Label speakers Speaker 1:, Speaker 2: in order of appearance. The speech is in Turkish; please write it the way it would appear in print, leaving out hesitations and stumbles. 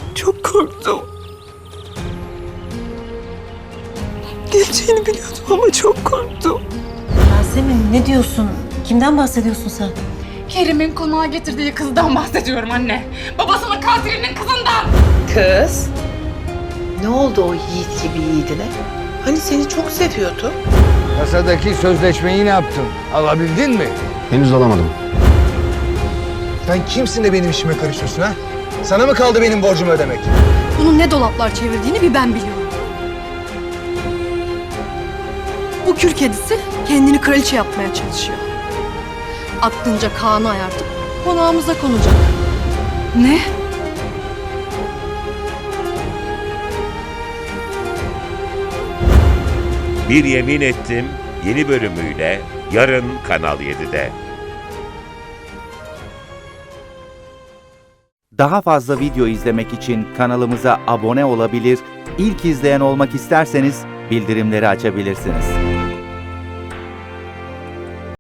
Speaker 1: Çok korktum. Geleceğini biliyordum ama çok korktum.
Speaker 2: Yasemin ne diyorsun? Kimden bahsediyorsun sen?
Speaker 3: Kerim'in konağa getirdiği kızdan bahsediyorum anne. Babasının katilinin kızından.
Speaker 1: Kız. Ne oldu o yiğit gibi yiğidine? Hani seni çok seviyordu.
Speaker 4: Kasadaki sözleşmeyi ne yaptın? Alabildin mi?
Speaker 5: Henüz alamadım.
Speaker 6: Sen kimsin de benim işime karışıyorsun ha? Sana mı kaldı benim borcumu ödemek?
Speaker 7: Bunun ne dolaplar çevirdiğini bir ben biliyorum. Bu kül kedisi kendini kraliçe yapmaya çalışıyor. Aklınca Kaan'ı ayartıp konağımıza konacak.
Speaker 3: Ne?
Speaker 8: Bir Yemin Ettim yeni bölümüyle yarın Kanal 7'de.
Speaker 9: Daha fazla video izlemek için kanalımıza abone olabilir, ilk izleyen olmak isterseniz bildirimleri açabilirsiniz.